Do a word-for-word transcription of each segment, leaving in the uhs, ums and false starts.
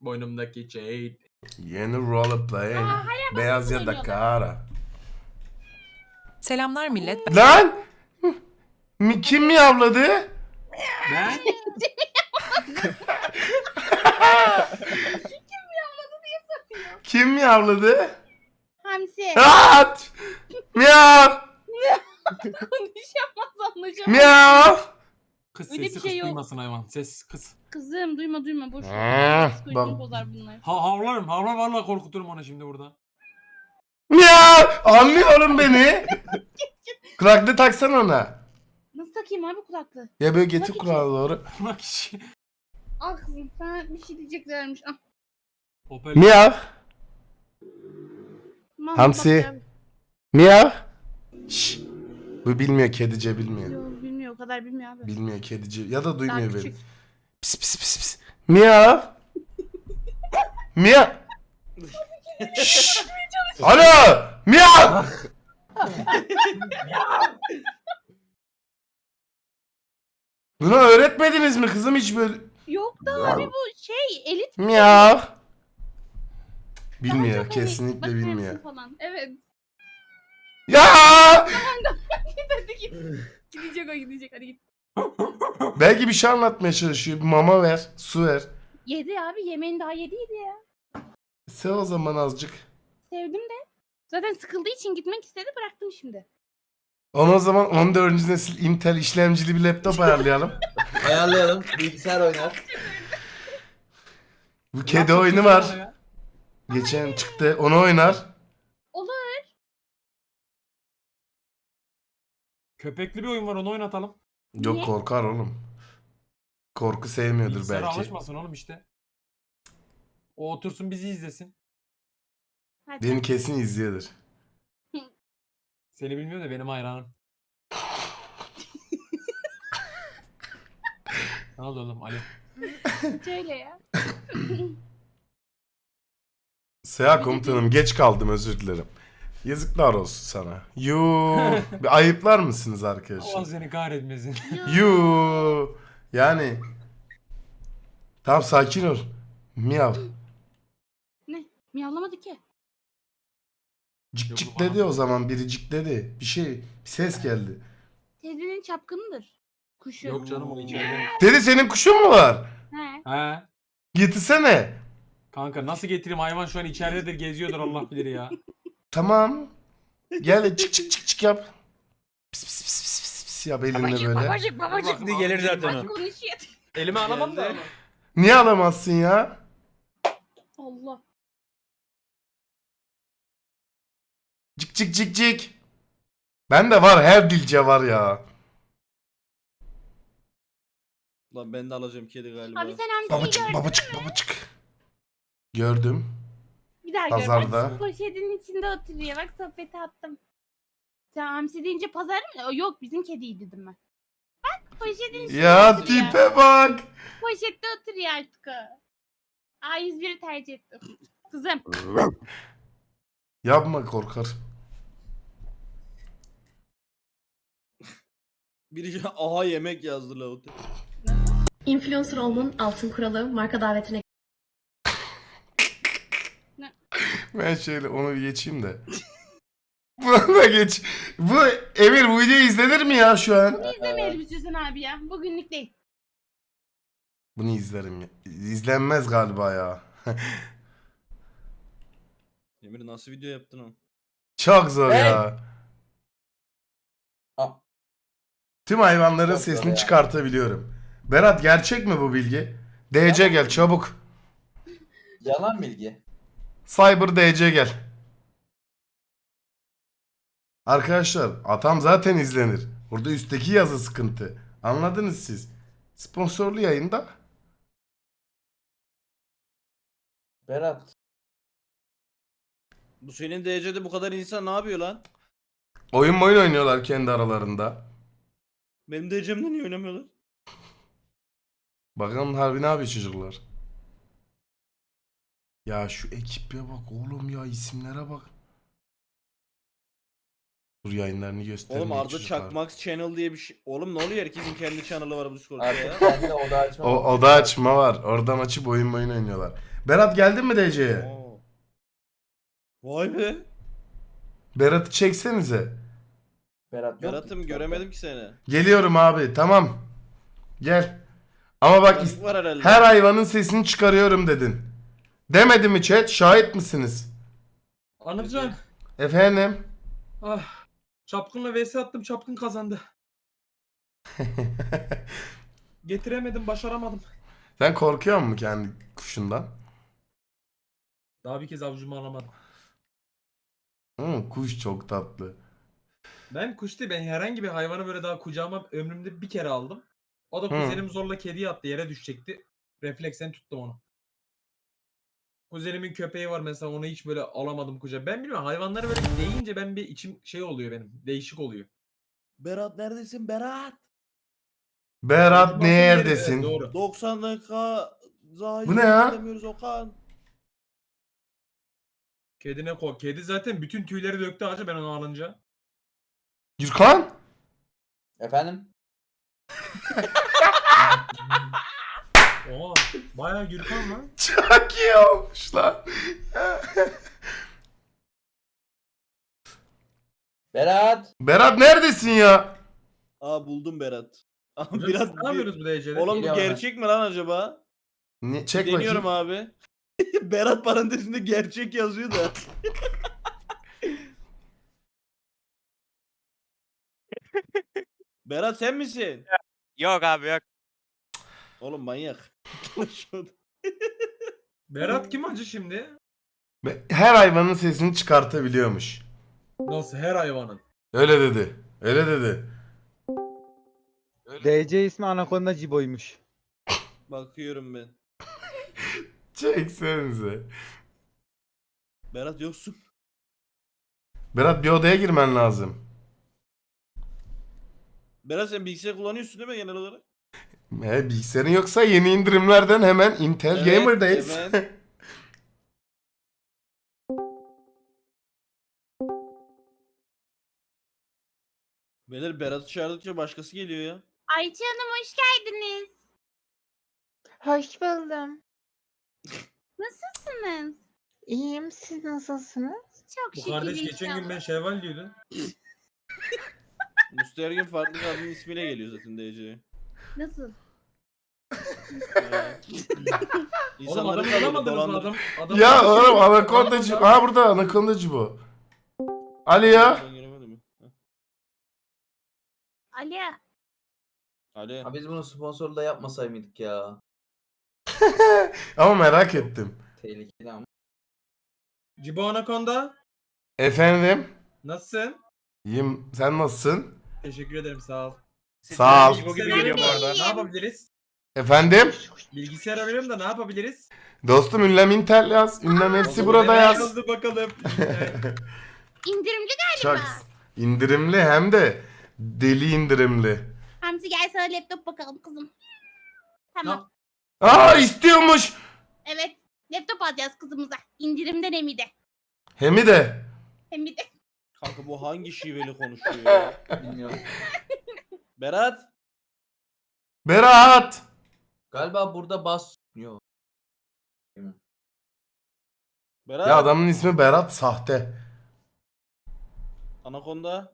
Boynumdaki Jade. Yeni roleplay. Beyaz ya da kara. Selamlar millet. Lan! Mi, kim miyavladı? Ben? Kim miyavladı? Hamsi. At! Miyav! Konuşamaz anlaşamaz. Miyav! Kız Öyle bir sesi şey kız yok. duymasın hayvan. Ses kız. Kızım duyma duyma boş Ah, ver. Psikolojini bak. bozar bunlar. Ha havlarım. Havlar vallahi korkuturum onu şimdi burada. Miyav! Anlıyorum beni. Kulaklığı taksana ona. Nasıl takayım abi kulaklığı? Ya böyle getir Bak kulağı doğru. Bak işi. Al kızım sana bir şey diyeceklermiş. Ah. Hoparlör. Miyav! Mahmut Hamsi. bak ya. Miyav! Şşş. Bu bilmiyor, kedice bilmiyor. Yok bilmiyor o kadar bilmiyor abi. Bilmiyor kedice ya da Daha duymuyor beni. küçük. Pis pis pis pis. Miyav! Miyav! Şşş! Alo! Miyav! Bunu öğretmediniz mi kızım hiç böyle? Yok da abi bu şey elit Miyav! daha Bilmiyor, çok elit. kesinlikle Bakar mısın bilmiyor. Falan. Evet. Ya! Hadi git. Gidecek o gidecek hadi git. Belki bir şey anlatmaya çalışıyor. Bir mama ver, su ver. Yedi abi yemeğini daha yediydi ya. Sev o zaman azıcık. Sevdim de. Zaten sıkıldığı için gitmek istedi bıraktım şimdi. Ona o zaman on dördüncü nesil Intel işlemcili bir laptop ayarlayalım. Ayarlayalım. Bilgisayar oynar. Bu kedi oyunu var. Geçen çıktı. Onu oynar. Olur. Köpekli bir oyun var onu oynatalım. Yok Niye? korkar oğlum. Korku sevmiyordur Bilgisayara belki. alışmasın oğlum işte. O otursun bizi izlesin. Hadi. Beni kesin izliyordur. Seni bilmiyorum da benim hayranım. Ne oldu oğlum Ali? Şöyle ya. Seha komutanım geç kaldım özür dilerim. Yazıklar olsun sana. Yuu. Bir ayıplar mısınız Allah arkadaşlar? seni kahretmesin. Yuu. Yani. Tamam sakin ol. Miyav. Ne? Miyavlamadı ki. Cik Yok, cik bana- dedi o zaman biri cik dedi. Bir şey bir ses geldi. Teyzenin çapkınıdır. Kuşu. Yok canım o içeride. Dedi senin kuşun mu var? He. He. Getirsene. Kanka nasıl getireyim hayvan şu an içeridedir geziyordur Allah bilir ya. Tamam. Gel çık çık çık çık yap. Pis pis pis pis pis pis yap elinle Babacık böyle. babacık babacık. Şimdi gelir zaten o. Konuşuyor. Elime alamam da. Geldi. Niye alamazsın ya? Allah. Cik cik cik cik. Ben de var her dilce var ya. Lan ben de alacağım kedi galiba. Abi sen hamsiyi Babacık gördün. babacık babacık. Gördüm. Bir daha gör. Pazarda. Bak poşetin içinde oturuyor. Bak sohbeti attım. Sen hamsi deyince pazar mı? O, Yok bizim kediydi dedim ben. Bak poşetin içinde Ya oturuyor. tipe bak. Poşette oturuyor artık o. A yüz biri tercih ettim. Kızım. Yapma korkar. Biri aha yemek yazdı la. Influencer olmanın altın kuralı marka davetine Ben şöyle onu bir geçeyim de. Bunu da geç. Bu Emir bu video izlenir mi ya şu an? İzlemeyelim istiyorsan abi ya. Bugünlük değil. Bunu izlerim ya. İzlenmez galiba ya. Emir nasıl video yaptın o? Çok zor ya. Ah. Tüm hayvanların Çok zor sesini ya. çıkartabiliyorum. Berat gerçek mi bu bilgi? D C gel çabuk. Yalan bilgi. Cyber D C gel. Arkadaşlar atam zaten izlenir. Burada üstteki yazı sıkıntı. Anladınız siz. Sponsorlu yayında. Berat. Bu senin D C'de bu kadar insan ne yapıyor lan? Oyun oyun oynuyorlar kendi aralarında. Benim D C'mde niye oynamıyorlar? Bakalım harbi ne yapıyor çocuklar. Ya şu ekibe bak oğlum ya isimlere bak. Dur yayınlarını göstermeye Oğlum Arda çocuklar. Çakmax Channel diye bir şey. Oğlum ne oluyor, herkesin kendi channel'ı var bu Discord'da ya. Artık kendi oda açma. O oda açma var. Oradan açıp oyun oyun oynuyorlar. Berat geldin mi D C'ye? Oo. Vay be. Berat'ı çeksenize. Berat yok. Berat'ım göremedim ki seni. Geliyorum abi tamam. Gel. Ama bak is- Trafik var herhalde. her hayvanın sesini çıkarıyorum dedin. Demedi mi chat? Şahit misiniz? Anılcan. Efendim? Ah. Çapkınla vs attım. Çapkın kazandı. Getiremedim. Başaramadım. Sen korkuyor musun kendi kuşundan? Daha bir kez avucumu alamadım. Hı, kuş çok tatlı. Ben kuş değil. Ben herhangi bir hayvanı böyle daha kucağıma ömrümde bir kere aldım. O da Hı. kuzenim zorla kediye attı. Yere düşecekti. Refleksen tuttum onu. Kuzenimin köpeği var mesela, onu hiç böyle alamadım kucağa. Ben bilmiyorum, hayvanları böyle deyince ben bir içim şey oluyor benim. Değişik oluyor. Berat neredesin Berat? Berat Basın yeri, evet, neredesin? doğru. doksan dakika Zahir Bu ne ya? demiyoruz Okan. Kedine ko. Kedi zaten bütün tüyleri döktü ağaca ben onu alınca. Gürkan? Efendim? Oha. Bayağı Gürkan lan. Çok iyi olmuş lan. Berat! Berat neredesin ya? Aa buldum Berat. Aa, Hocam Berat siz ne yapıyoruz bu derecede? Oğlum bu Geliyor bana. gerçek mi lan acaba? Ne, çek Deniyorum bakayım. abi. Berat parantezinde gerçek yazıyor da. Berat sen misin? Yok abi yok. Oğlum manyak. Berat kim acı şimdi? Be- Her hayvanın sesini çıkartabiliyormuş. Nasıl her hayvanın? Öyle dedi. Öyle dedi. D C ismi Anaconda Cibo'ymuş. Bakıyorum ben. Çeksenize. Berat yoksun. Berat bir odaya girmen lazım. Berat sen bilgisayar kullanıyorsun değil mi genel olarak? E, bilgisayarın yoksa yeni indirimlerden hemen Intel Evet, Gamer'dayız. evet. Beyler Berat'ı çağırdıkça başkası geliyor ya. Ayça Hanım hoş geldiniz. Hoş buldum. Nasılsınız? İyiyim. Siz nasılsınız? Çok Bu şükür kardeş geçen gün ben inşallah. Şevval diyordu. Mustafa her gün farklı kadının ismiyle geliyor zaten D C'ye. Nasıl? Oğlum adamı bulamadınız mı adam? Adam Ya oğlum Anacondacı. Ha burada Anacondacı bu. Ali ya. Ben giremedim mi? Heh. Ali. Ali. Ha biz bunu sponsorla yapmasay mıydık ya? Ama merak ettim. Tehlikeli ama. Cibo Anaconda. Efendim? Nasılsın? İyiyim. Sen nasılsın? Teşekkür ederim, sağ ol. Sağ ol. Cibo gibi Sen geliyor bu de arada. Ne iyiyim. yapabiliriz? Efendim? Bilgisayar arıyorum da ne yapabiliriz? Dostum ünlem Intel yaz. Ünlem hepsi burada Ne yaz. yazıldı bakalım. İndirimli Çok galiba. indirimli hem de deli indirimli. Hamsi gel sana laptop bakalım kızım. Tamam. Aa istiyormuş. Evet. Laptop alacağız kızımıza. İndirimden hem de. Hemi de. Hem de. Kanka bu hangi şiveli konuşuyor ya? Bilmiyorum. Berat. Berat. Galiba burada bas... Yok. Berat. Ya adamın ismi Berat sahte. Anaconda.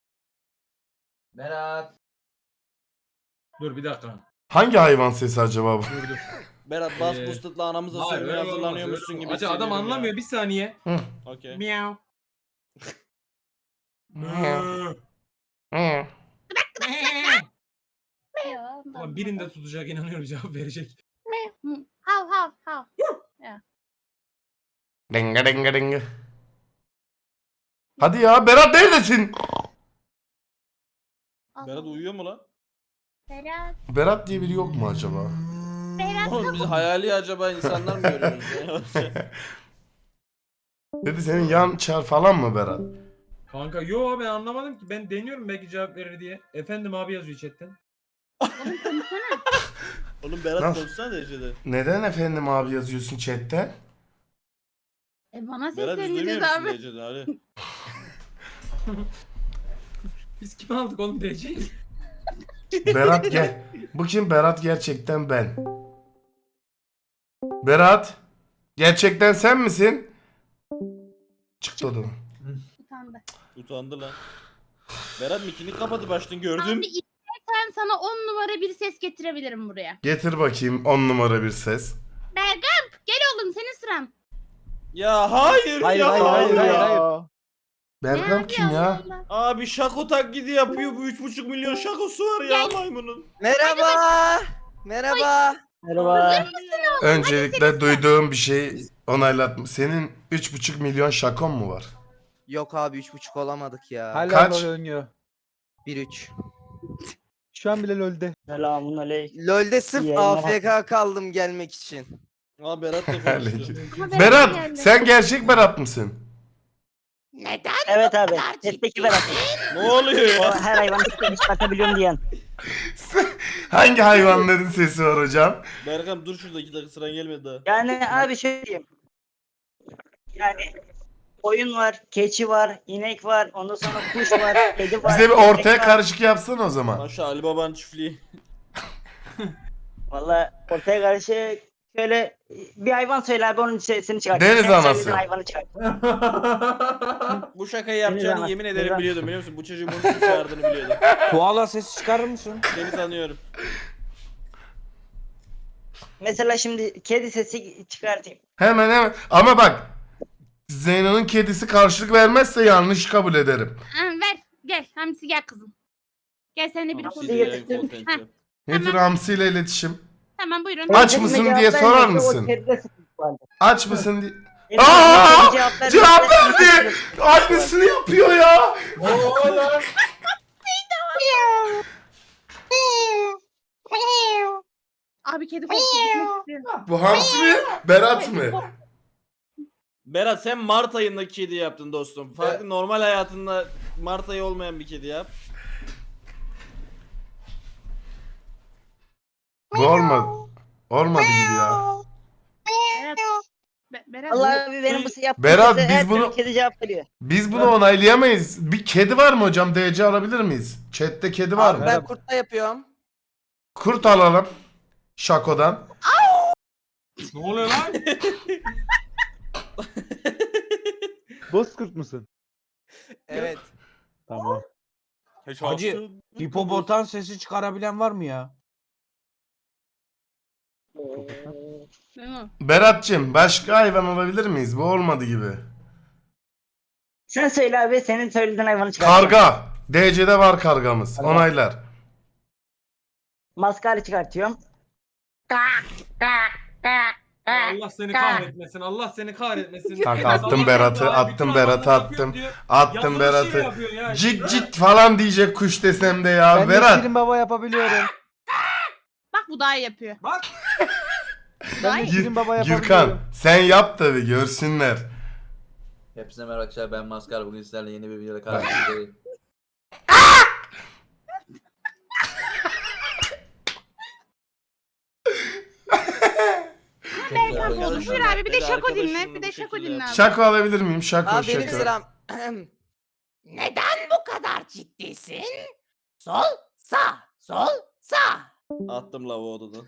Berat! Dur bir dakika. Hangi hayvan sesi acaba bu? Dur dur. Berat bas Ee, boosted'la anamıza Hayır, sövmeye öyle olmaz, hazırlanıyormuşsun öyle gibi olmaz. Acı adam hissediyorum ya. anlamıyor, bir saniye. Okey. Miau. Ulan birinde tutacak, inanıyorum cevap verecek. Hav hav hav. Denga denga denga. Hadi ya Berat neredesin? Berat uyuyor mu lan? Berat. Berat diye biri yok mu acaba? Berat. Oğlum biz hayali acaba insanlar mı görüyoruz ya? Dedi senin yan çar falan mı Berat? Kanka yo ben anlamadım ki. Ben deniyorum belki cevap verir diye. Efendim abi yazıyor chatten. Oğlum konuşsana. Oğlum Berat Nasıl? konuşsana derecede. Neden efendim abi yazıyorsun chatte? E bana Berat biz duymuyor seslendiniz musun abi. derecede Ali? Biz kimi aldık oğlum D C'yi? Berat gel. Bu kim? Berat gerçekten ben. Berat. Gerçekten sen misin? Çıktı odadan. Utandı. Utandı lan. Berat mikini kapadı baştan gördüm. Abi istersen sana on numara bir ses getirebilirim buraya. Getir bakayım on numara bir ses. Bergamp gel oğlum senin sıran. Ya hayır, Hayır ya. hayır hayır hayır hayır. Bergam kim ya? Allah. Abi şako taklidi yapıyor. Bu üç buçuk milyon şakosu var ya maymunun. Merhaba. Merhaba. Merhaba. Öncelikle duyduğum bir şey onaylatma. Senin üç buçuk milyon şakon mu var? Yok abi üç buçuk olamadık ya. Hala Kaç? LoL oynuyor. bir üç. Şu an bile LoL'de. Selamun aleyküm. LoL'de sırf İyi A F yayınlar. K kaldım gelmek için. Aa Berat da konuştu. Aleyküm. Ama Berat Berat geldi. sen gerçek Berat mısın? Evet abi. Tepteki Berat. Ne oluyor O ya? her hayvanı tepki çıkartabiliyorum diyen. Hangi hayvanların sesi var hocam? Berkam dur şurada iki dakika sıran gelmedi daha. Yani abi şöyle diyeyim. Yani koyun var, keçi var, inek var, ondan sonra kuş var, kedi var. Bize bir köpek ortaya var. karışık yapsana o zaman. Maşa Ali Baba'nın çiftliği. Valla ortaya karışık şöyle bir hayvan söyle abi onun sesini çıkartayım. Deniz Sen anası. söylediğin hayvanı çıkart. Bu şakayı yapacağını Deniz yemin Ana- ederim Deniz biliyordum biliyor musun? Bu çocuğun bunu kim çağırdığını biliyordum. Koala sesi çıkarır mısın? Seni tanıyorum. Mesela şimdi kedi sesi çıkartayım. Hemen hemen. Ama bak. Zeyno'nun kedisi karşılık vermezse yanlış kabul ederim. Ha, ver gel Hamsi gel kızım. Gel seninle bir Hamsi konuş. Sizi gel. yayın content Heh. yap. Nedir Hamsi ile iletişim? Tamam buyurun. Benim Aç kedime mısın cevap diye sorar vermeyince o mısın? kedide sıkıntı vardı. Aç mısın diye. Benim Aa! kedime cevap vermeyince Cevap o kedide verdi. sıkıntı vardı. Aynısını yapıyor ya. Abi kedi korkuyor. Bu Hamsi mi? Berat mı? Berat sen Mart ayındaki kedi yaptın dostum. Farklı normal hayatında Mart ayı olmayan bir kedi yap. Bu olmadı. Olmadı gibi ya. Berat. Be- Berat. Allah abi benim bu yaptığım Berat, sese biz her türlü bunu- kedi cevap veriyor. Biz bunu onaylayamayız. Bir kedi var mı hocam? D C alabilir miyiz? Chat'te kedi var Abi mı? ben kurtla yapıyorum. Kurt alalım. Şako'dan. Ne oluyor lan? Bozkurt musun? Evet. Tamam. Hacı. Hipopotam sesi çıkarabilen var mı ya? Hı. Berat'cığım başka hayvan alabilir miyiz? Bu olmadı gibi. Sen söyle abi senin söylediğin hayvanı çıkart. Karga. D C'de var kargamız. Tamam. Onaylar. Maskara çıkartıyorum. Allah seni kahretmesin. Allah seni kahretmesin. Kanka, Berat, attım Allah Berat'ı, Allah, attım bütün Berat'ı, hayvanları attım. yapıyorum diyor. Attım Yazılı şey Berat'ı. yapıyorsun ya. Cik cik falan diyecek kuş desem de ya. Ben de Berat. Şirin Baba yapabiliyorum. Bak bu daha iyi yapıyor. Bak. Ben de Gir- Şirin Baba yapabiliyorum. Gürkan sen yap tabi görsünler. Hepsine merhaba arkadaşlar, ben Maskar, bugün sizlerle yeni bir videoda karşınızdayım. Berkan Arkadaşlar, oldu. Buyur abi bir de beni şako dinle. arkadaşımla Bir de bu şako şekilde- dinle abi. Şako alabilir miyim? Şako Abi benim şako. sıram. Neden bu kadar ciddisin? Sol, sağ, sol, sağ. Attım lavu odadan.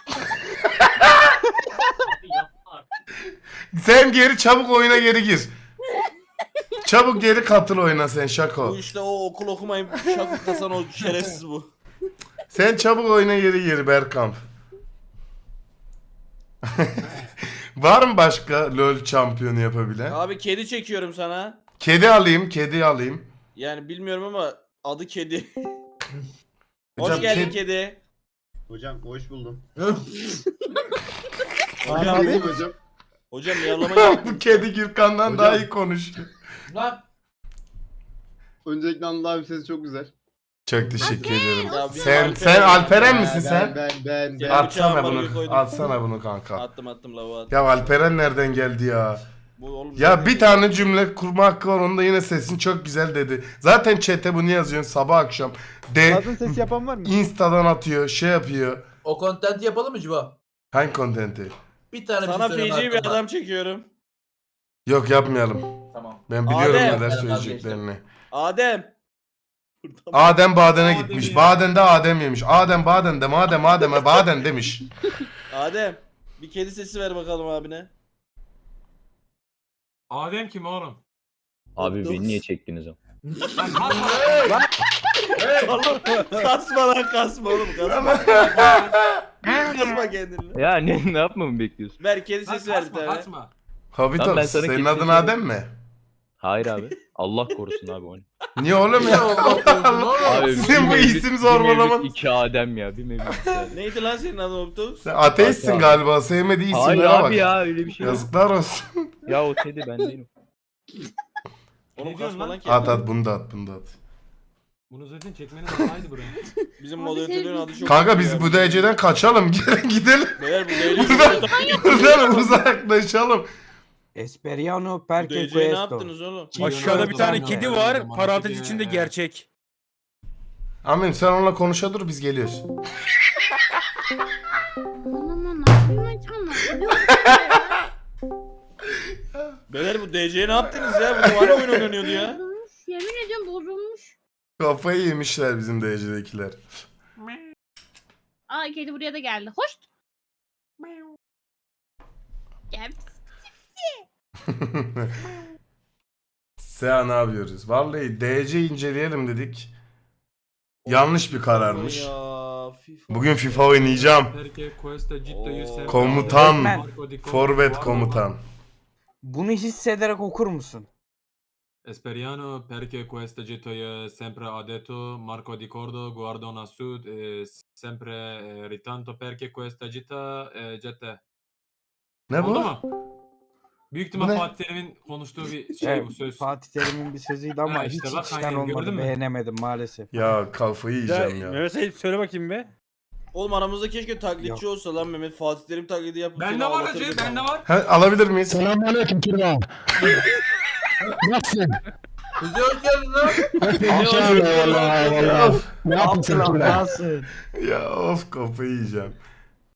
Sen geri çabuk oyuna geri gir. Çabuk geri katıl oyuna sen Bu Şako. işte o okul okumayıp şako kasan o şerefsiz bu. Sen çabuk oyuna geri gir Berkamp. Var mı başka LoL şampiyonu yapabilen? Abi kedi çekiyorum sana. Kedi alayım, kedi alayım. Yani bilmiyorum ama adı kedi. Hoş Hocam, geldin ked- kedi. Hocam hoş buldum. Kaan abi. hocam. Hocam yavlama Bu kedi Gürkan'dan Hocam. daha iyi konuşuyor. Lan Öncelikle Anıl abi sesi çok güzel. Çok teşekkür ederim. Ya bizim Sen Alperen- sen Alperen misin Ben sen? ben ben. ben. At- Atsana bıçağımı bunu. oraya koydum. Atsana bunu kanka. Attım attım lavu attım. Ya Alperen nereden geldi ya? Bu oğlum Ya bir tane cümle kurma hakkı var, onda yine sesin çok güzel dedi. Zaten chat'e bunu yazıyorsun sabah akşam. De Kadın sesi yapan var mı? Insta'dan atıyor, şey yapıyor. o content'i yapalım mı Cibo? Hangi kontenti? Bir tane Sana bir şey söyleme feci bir hakkım var. adam çekiyorum. Yok yapmayalım. Tamam. Ben biliyorum Adem. neler Ben söyleyeceklerini. Adem. Adem Baden'e Adem gitmiş. ya. Baden'de Adem yemiş. Adem Baden'de madem Adem'e Baden demiş. Adem bir kedi sesi ver bakalım abine. Adem kim oğlum? Abi beni niye çektiniz o? Lan kalk. Kasma lan kasma oğlum kasma. Kasma kendini. Ya ne ne yapmamı bekliyorsun? Ver kedi sesi ver bir Kasma tane. kasma. Habitat Lan ben sana senin kesin adın söyleyeyim. Adem mi? Hayır abi. Allah korusun abi onu. Niye oğlum ya? Abi Sizin bir bu mevlüt- isim bir zorbalaman. mevlüt iki Adem ya. Bir mevlüt iki Adem. Neydi lan senin adın Optus? Sen ateistsin Abi. galiba. Sevmediği Hayır isimlere abi bak. ya öyle bir şey yok. Yazıklar olsun. Ya o Teddy ben değilim. Oğlum Ne diyorsun kasma lan? lan kendini. At at bunu da at bunu da at. Bunu zaten çekmeniz kolaydı buraya. Bizim Abi moderatörün sen- adı çok Kanka kötü biz ya. bu dereceden kaçalım. Gelin gidelim. Beyler bu D Buradan, buradan uzaklaşalım. Esperiano C perché ne questo. yaptınız oğlum? Aşağıda bir tane kedi var, parantez içinde gerçek. Amin sen onunla konuşa dur biz geliyoruz. Aman nasıl maçanlar? Beyler bu D C'ye ne yaptınız ya? Bu var oyun oynanıyordu ya. Bozulmuş. Yemin ediyorum bozulmuş. Kafayı yemişler bizim derecedekiler. Aa kedi buraya da geldi. Hoş. Gel. Sea ne yapıyoruz? Vallahi D C inceleyelim dedik. Yanlış bir kararmış. Ya, FIFA. Bugün FIFA oynayacağım. Perché questa città Oo. Komutan. Marco di Cordo, Forvet Guardo, komutan. Bunu hissederek okur musun? Esperiano perché questa città sempre ha detto Marco di Cordo guarda a sud e sempre eh, ritanto perché questa città eh, cidde. Ne Oldu bu? mu? Büyük Bu ihtimal ne? Fatih Terim'in konuştuğu bir şey bu söz. Fatih Terim'in bir sözüydü ama Ha, işte hiç bak, içten aynen, olmadı. gördün mü? Beğenemedim maalesef. Ya kafayı yiyeceğim ya. Mehmet Sait söyle bakayım be. Oğlum aramızda keşke taklitçi Yok. olsa lan Mehmet. Fatih Terim taklidi yapıp Bende seni var ağlatırdık hacı, bende ama. var. Ha, alabilir miyiz? Selamünaleyküm Kirva. Nasılsın? Bizi hoş geldin lan. Eyvallah eyvallah. Ne yapıyorsun Kirva? Nasıl? Ya of kafayı yiyeceğim.